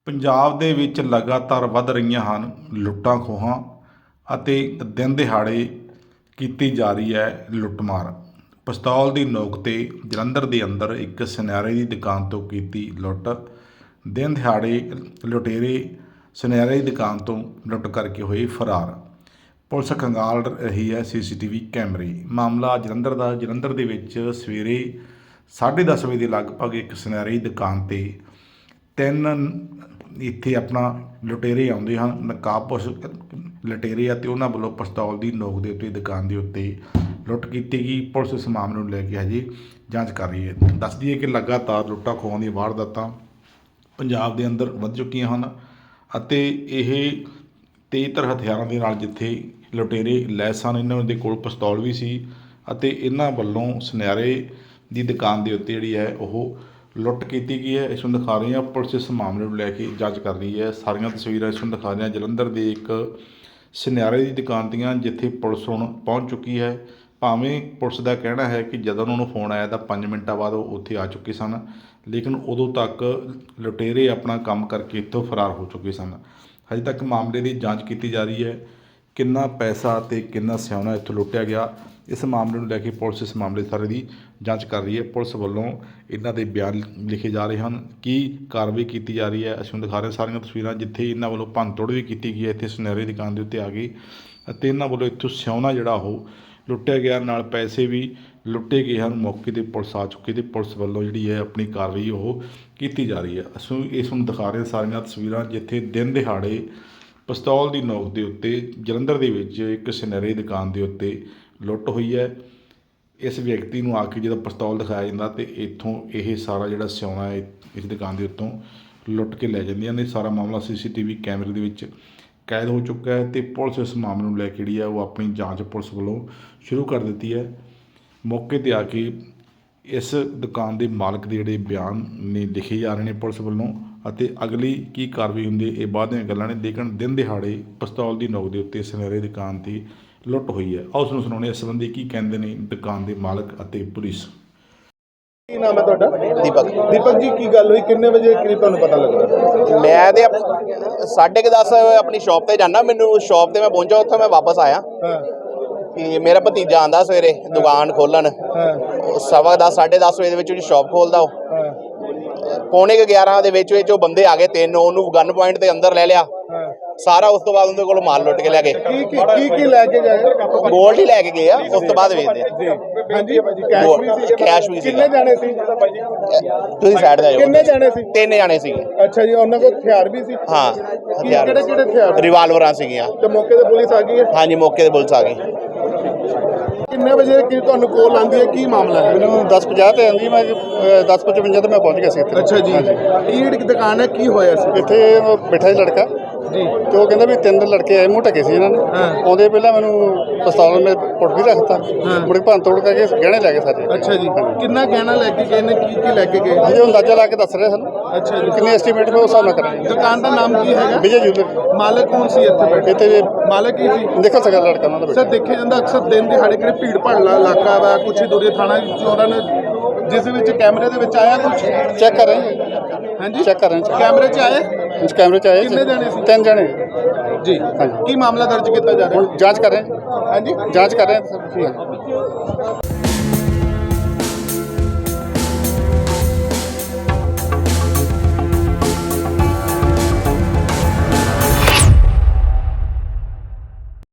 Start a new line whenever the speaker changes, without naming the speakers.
ਪੰਜਾਬ ਦੇ ਵਿੱਚ ਲਗਾਤਾਰ ਵੱਧ ਰਹੀਆਂ ਹਨ ਲੁੱਟਾਂ ਖੋਹਾਂ ਅਤੇ ਦਿਨ ਦਿਹਾੜੇ ਕੀਤੀ ਜਾ ਰਹੀ ਹੈ ਲੁੱਟਮਾਰ। ਪਿਸਤੌਲ ਦੀ ਨੋਕ 'ਤੇ ਜਲੰਧਰ ਦੇ ਅੰਦਰ ਇੱਕ ਸੁਨਿਆਰੇ ਦੀ ਦੁਕਾਨ ਤੋਂ ਕੀਤੀ ਲੁੱਟ। ਦਿਨ ਦਿਹਾੜੇ ਲੁਟੇਰੇ ਸੁਨਿਆਰੇ ਦੀ ਦੁਕਾਨ ਤੋਂ ਲੁੱਟ ਕਰਕੇ ਹੋਏ ਫਰਾਰ। ਪੁਲਿਸ ਖੰਗਾਲ ਰਹੀ ਹੈ ਸੀਸੀਟੀਵੀ ਕੈਮਰੇ। ਮਾਮਲਾ ਜਲੰਧਰ ਦੇ ਵਿੱਚ ਸਵੇਰੇ 10:30 ਵਜੇ ਦੇ ਲਗਭਗ ਇੱਕ ਸੁਨਿਆਰੇ ਦੀ ਦੁਕਾਨ 'ਤੇ ਤਿੰਨ ਇੱਥੇ ਆਪਣਾ ਲੁਟੇਰੇ ਆਉਂਦੇ ਹਨ, ਨਕਾਬਪੋਸ਼ ਲੁਟੇਰੇ ਅਤੇ ਉਹਨਾਂ ਵੱਲੋਂ ਪਿਸਤੌਲ ਦੀ ਨੋਕ ਦੇ ਉੱਤੇ ਦੁਕਾਨ ਦੇ ਉੱਤੇ ਲੁੱਟ ਕੀਤੀ ਗਈ। ਪੁਲਿਸ ਇਸ ਮਾਮਲੇ ਨੂੰ ਲੈ ਕੇ ਹਜੇ ਜਾਂਚ ਕਰ ਰਹੀ ਹੈ। ਦੱਸ ਦਈਏ ਕਿ ਲਗਾਤਾਰ ਲੁੱਟਾਂ ਖੋਹਾਂ ਦੀਆਂ ਵਾਰਦਾਤਾਂ ਪੰਜਾਬ ਦੇ ਅੰਦਰ ਵੱਧ ਚੁੱਕੀਆਂ ਹਨ ਅਤੇ ਇਹ ਤੇਜ਼ਧਾਰ ਹਥਿਆਰਾਂ ਦੇ ਨਾਲ ਜਿੱਥੇ ਲੁਟੇਰੇ ਲੈਸ ਹਨ, ਇਹਨਾਂ ਦੇ ਕੋਲ ਪਿਸਤੌਲ ਵੀ ਸੀ ਅਤੇ ਇਹਨਾਂ ਵੱਲੋਂ ਸੁਨਿਆਰੇ ਦੀ ਦੁਕਾਨ ਦੇ ਉੱਤੇ ਜਿਹੜੀ ਹੈ ਉਹ ਲੁੱਟ ਕੀਤੀ ਗਈ ਹੈ। ਇਸ ਨੂੰ ਦਿਖਾ ਰਹੇ ਹਾਂ। ਪੁਲਿਸ ਇਸ ਮਾਮਲੇ ਨੂੰ ਲੈ ਕੇ ਜਾਂਚ ਕਰ ਰਹੀ ਹੈ। ਸਾਰੀਆਂ ਤਸਵੀਰਾਂ ਇਸ ਨੂੰ ਦਿਖਾ ਰਹੇ ਹਾਂ ਜਲੰਧਰ ਦੇ ਇੱਕ ਸੁਨਿਆਰੇ ਦੀ ਦੁਕਾਨ ਦੀਆਂ, ਜਿੱਥੇ ਪੁਲਿਸ ਹੁਣ ਪਹੁੰਚ ਚੁੱਕੀ ਹੈ। ਭਾਵੇਂ ਪੁਲਿਸ ਦਾ ਕਹਿਣਾ ਹੈ ਕਿ ਜਦੋਂ ਉਹਨਾਂ ਨੂੰ ਫੋਨ ਆਇਆ ਤਾਂ 5 ਮਿੰਟਾਂ ਬਾਅਦ ਉਹ ਉੱਥੇ ਆ ਚੁੱਕੇ ਸਨ, ਲੇਕਿਨ ਉਦੋਂ ਤੱਕ ਲੁਟੇਰੇ ਆਪਣਾ ਕੰਮ ਕਰਕੇ ਇੱਥੋਂ ਫਰਾਰ ਹੋ ਚੁੱਕੇ ਸਨ। ਹਜੇ ਤੱਕ ਮਾਮਲੇ ਦੀ ਜਾਂਚ ਕੀਤੀ ਜਾ ਰਹੀ ਹੈ। ਕਿੰਨਾ ਪੈਸਾ ਅਤੇ ਕਿੰਨਾ ਸਿਆਉਣਾ ਇੱਥੋਂ ਲੁੱਟਿਆ ਗਿਆ, ਇਸ ਮਾਮਲੇ ਨੂੰ ਲੈ ਕੇ ਪੁਲਿਸ ਇਸ ਮਾਮਲੇ ਸਾਰੇ ਦੀ ਜਾਂਚ ਕਰ ਰਹੀ ਹੈ। ਪੁਲਿਸ ਵੱਲੋਂ ਇਹਨਾਂ ਦੇ ਬਿਆਨ ਲਿਖੇ ਜਾ ਰਹੇ ਹਨ, ਕੀ ਕਾਰਵਾਈ ਕੀਤੀ ਜਾ ਰਹੀ ਹੈ। ਅਸੀਂ ਦਿਖਾ ਰਹੇ ਸਾਰੀਆਂ ਤਸਵੀਰਾਂ ਜਿੱਥੇ ਇਹਨਾਂ ਵੱਲੋਂ ਭੰਨਤੋੜ ਵੀ ਕੀਤੀ ਗਈ ਹੈ। ਇੱਥੇ ਸੁਨਿਆਰੇ ਦੀ ਦੁਕਾਨ ਦੇ ਉੱਤੇ ਆ ਗਈ ਅਤੇ ਇਹਨਾਂ ਵੱਲੋਂ ਇੱਥੋਂ ਸਿਆਉਣਾ ਜਿਹੜਾ ਉਹ ਲੁੱਟਿਆ ਗਿਆ, ਨਾਲ ਪੈਸੇ ਵੀ ਲੁੱਟੇ ਗਏ ਹਨ। ਮੌਕੇ 'ਤੇ ਪੁਲਿਸ ਆ ਚੁੱਕੀ ਅਤੇ ਪੁਲਿਸ ਵੱਲੋਂ ਜਿਹੜੀ ਹੈ ਆਪਣੀ ਕਾਰਵਾਈ ਉਹ ਕੀਤੀ ਜਾ ਰਹੀ ਹੈ। ਅਸੀਂ ਇਸ ਨੂੰ ਦਿਖਾ ਰਹੇ ਸਾਰੀਆਂ ਤਸਵੀਰਾਂ ਜਿੱਥੇ ਦਿਨ ਦਿਹਾੜੇ ਪਿਸਤੌਲ ਦੀ ਨੋਕ ਦੇ ਉੱਤੇ ਜਲੰਧਰ ਦੇ ਵਿੱਚ ਇੱਕ ਸੁਨਿਆਰੇ ਦੀ ਦੁਕਾਨ ਦੇ ਉੱਤੇ ਲੁੱਟ ਹੋਈ ਹੈ। ਇਸ ਵਿਅਕਤੀ ਨੂੰ ਆ ਕੇ ਜਦੋਂ ਪਿਸਤੌਲ ਦਿਖਾਇਆ ਜਾਂਦਾ ਅਤੇ ਇੱਥੋਂ ਇਹ ਸਾਰਾ ਜਿਹੜਾ ਸਿਆਉਣਾ ਹੈ ਇਸ ਦੁਕਾਨ ਦੇ ਉੱਤੋਂ ਲੁੱਟ ਕੇ ਲੈ ਜਾਂਦੀਆਂ ਨੇ। ਸਾਰਾ ਮਾਮਲਾ ਸੀਸੀਟੀਵੀ ਕੈਮਰੇ ਦੇ ਵਿੱਚ ਕੈਦ ਹੋ ਚੁੱਕਾ ਹੈ ਅਤੇ ਪੁਲਿਸ ਇਸ ਮਾਮਲੇ ਨੂੰ ਲੈ ਕੇ ਜਿਹੜੀ ਹੈ ਉਹ ਆਪਣੀ ਜਾਂਚ ਪੁਲਿਸ ਵੱਲੋਂ ਸ਼ੁਰੂ ਕਰ ਦਿੱਤੀ ਹੈ। ਮੌਕੇ 'ਤੇ ਆ ਕੇ ਇਸ ਦੁਕਾਨ ਦੇ ਮਾਲਕ ਦੇ ਜਿਹੜੇ ਬਿਆਨ ਨੇ ਲਿਖੇ ਜਾ ਰਹੇ ਨੇ ਪੁਲਿਸ ਵੱਲੋਂ ਅਤੇ ਅਗਲੀ ਕੀ ਕਾਰਵਾਈ ਹੁੰਦੀ ਹੈ ਇਹ ਬਾਅਦ ਦੀਆਂ ਗੱਲਾਂ ਨੇ। ਲੇਕਿਨ ਦਿਨ ਦਿਹਾੜੇ ਪਿਸਤੌਲ ਦੀ ਨੋਕ ਦੇ ਉੱਤੇ ਸੁਨਿਆਰੇ ਦੀ ਦੁਕਾਨ 'ਤੇ ਲੁੱਟ ਹੋਈ ਹੈ। ਆਓ ਉਸਨੂੰ ਸੁਣਾਉਂਦੇ ਇਸ ਸੰਬੰਧੀ ਕੀ ਕਹਿੰਦੇ ਨੇ ਦੁਕਾਨ ਦੇ ਮਾਲਕ ਅਤੇ ਪੁਲਿਸ।
ਕੀ ਨਾਮ ਹੈ ਤੁਹਾਡਾ? ਦੀਪਕ ਜੀ, ਕੀ ਗੱਲ ਹੋਈ? ਕਿੰਨੇ ਵਜੇ ਕਰੀਬ ਤੁਹਾਨੂੰ ਪਤਾ ਲੱਗਾ?
ਮੈਂ ਤੇ 10:30 ਆਪਣੀ ਸ਼ਾਪ ਤੇ ਜਾਣਾ। ਮੈਨੂੰ ਸ਼ਾਪ ਤੇ ਮੈਂ ਪਹੁੰਚਾ, ਉੱਥੇ ਮੈਂ ਵਾਪਸ ਆਇਆ ਕਿ ਮੇਰਾ ਭਤੀਜਾ ਆਂਦਾ ਸਵੇਰੇ ਦੁਕਾਨ ਖੋਲਣ। 10:15 10:30 ਵਜੇ ਦੇ ਵਿੱਚ ਉਹਦੀ ਸ਼ਾਪ ਖੋਲਦਾ। ਉਹ 11:45 ਦੇ ਵਿੱਚ ਉਹ ਬੰਦੇ ਆ ਗਏ ਤਿੰਨ, ਉਹਨੂੰ ਗਨ ਪੁਆਇੰਟ ਤੇ ਅੰਦਰ ਲੈ ਲਿਆ ਸਾਰਾ। ਉਸ ਤੋਂ ਬਾਅਦ ਉਹਦੇ ਕੋਲ ਮਾਲ ਲੁੱਟ ਕੇ ਲੈ ਗਏ।
ਕੀ ਲੈ ਕੇ ਗਏ?
ਗੋਲਡ ਹੀ ਲੈ ਕੇ ਗਏ ਆ। ਉਸ ਤੋਂ ਬਾਅਦ ਵੇਚਦੇ
ਹਾਂਜੀ,
ਕੈਸ਼ ਵੀ ਸੀ।
ਕਿੰਨੇ ਜਾਣੇ ਸੀ?
ਤੁਸੀਂ ਸਾਈਡ ਤੇ ਆਇਓ।
ਕਿੰਨੇ ਜਾਣੇ ਸੀ?
3 ਜਾਣੇ ਸੀਗੇ।
ਅੱਛਾ ਜੀ, ਉਹਨਾਂ ਕੋਲ ਹਥਿਆਰ ਵੀ ਸੀ?
ਹਾਂ, ਹਥਿਆਰ
ਕਿਹੜੇ ਹਥਿਆਰ?
ਰਿਵਾਲਵਰਾਂ ਸੀਗੀਆਂ।
ਤੇ ਮੌਕੇ ਤੇ ਪੁਲਿਸ ਆ ਗਈ ਹੈ?
ਹਾਂਜੀ, ਮੌਕੇ ਤੇ ਪੁਲਿਸ ਆ ਗਈ।
ਕਿੰਨੇ ਵਜੇ ਕੀ ਤੁਹਾਨੂੰ ਕੋਲ ਆਉਂਦੀ ਹੈ? ਕੀ ਮਾਮਲਾ ਹੈ?
ਮੈਨੂੰ 10:50 ਤੇ ਆਉਂਦੀ, ਮੈਂ 10:55 ਤੇ ਮੈਂ ਪਹੁੰਚ ਗਿਆ ਸੀ ਇੱਥੇ।
ਅੱਛਾ ਜੀ, ਕੀ ਦੁਕਾਨ ਹੈ? ਕੀ ਹੋਇਆ ਸੀ
ਇੱਥੇ ਬੈਠਾ ਸੀ ਲੜਕਾ
ਜੀ,
ਤੇ ਉਹ ਕਹਿੰਦਾ ਵੀ 3 ਲੜਕੇ ਆਏ, ਮੂੰਹ ਢਕੇ ਸੀ ਇਹਨਾਂ ਨੇ। ਆਉਂਦੇ ਪਹਿਲਾਂ ਮੈਨੂੰ ਪਿਸਤੌਲ ਮੈਂ ਪੁੱਟ ਵੀ ਰੱਖਤਾ, ਮੁੜ ਕੇ ਭੰਨ ਤੋੜ ਕਰਕੇ ਗਹਿਣੇ ਲੈ ਗਏ ਸਾਰੇ।
ਅੱਛਾ ਜੀ, ਕਿੰਨਾ ਗਹਿਣਾ ਲੈ ਕੇ ਗਏ ਨੇ? ਕੀ ਲੈ ਕੇ ਗਏ?
ਹਜੇ ਉਹ ਅੰਦਾਜ਼ਾ ਲਾ ਕੇ ਦੱਸ ਰਹੇ ਸਾਨੂੰ।
ਅੱਛਾ ਜੀ,
ਕਿੰਨੇ ਐਸਟੀਮੇਟ ਮੈਂ ਉਸ ਹਿਸਾਬ ਨਾਲ ਕਰਾਂਗੇ।
ਦੁਕਾਨ ਦਾ ਨਾਮ ਕੀ ਹੈਗਾ?
ਵਿਜੇ ਜੂਲਰ।
ਮਾਲਕ ਕੌਣ ਸੀ ਇੱਥੇ ਬੈਠੇ?
ਇੱਥੇ
ਮਾਲਕ ਹੀ ਸੀ?
ਦੇਖੋ ਸਕਦਾ ਲੜਕਾ ਉਹਨਾਂ ਦਾ
ਸਰ, ਦੇਖਿਆ ਜਾਂਦਾ ਅਕਸਰ ਦਿਨ ਦਿਹਾੜੇ ਕਿਹੜੇ ਭੀੜ ਭਾੜਲਾ ਇਲਾਕਾ ਵਾ, ਕੁਛ ਹੀ ਦੂਰੇ ਥਾਣਾ ਚੋਰਾਂ ਨੇ, ਜਿਸ ਵਿੱਚ ਕੈਮਰੇ ਦੇ ਵਿੱਚ ਆਇਆ ਕੁਛ?
ਚੈੱਕ ਕਰ ਰਹੇ
ਹਾਂਜੀ,
ਚੈੱਕ ਕਰ ਰਹੇ
ਕੈਮਰੇ 'ਚ ਆਏ?
ਕੈਮਰੇ 'ਚ ਆਏ।
ਕਿੰਨੇ ਜਾਣੇ ਸੀ?
3 ਜਾਣੇ
ਜੀ,
ਹਾਂਜੀ।
ਕੀ ਮਾਮਲਾ ਦਰਜ ਕੀਤਾ ਜਾ ਰਿਹਾ?
ਹੁਣ ਜਾਂਚ ਕਰ ਰਹੇ
ਹਾਂਜੀ,
ਜਾਂਚ ਕਰ ਰਹੇ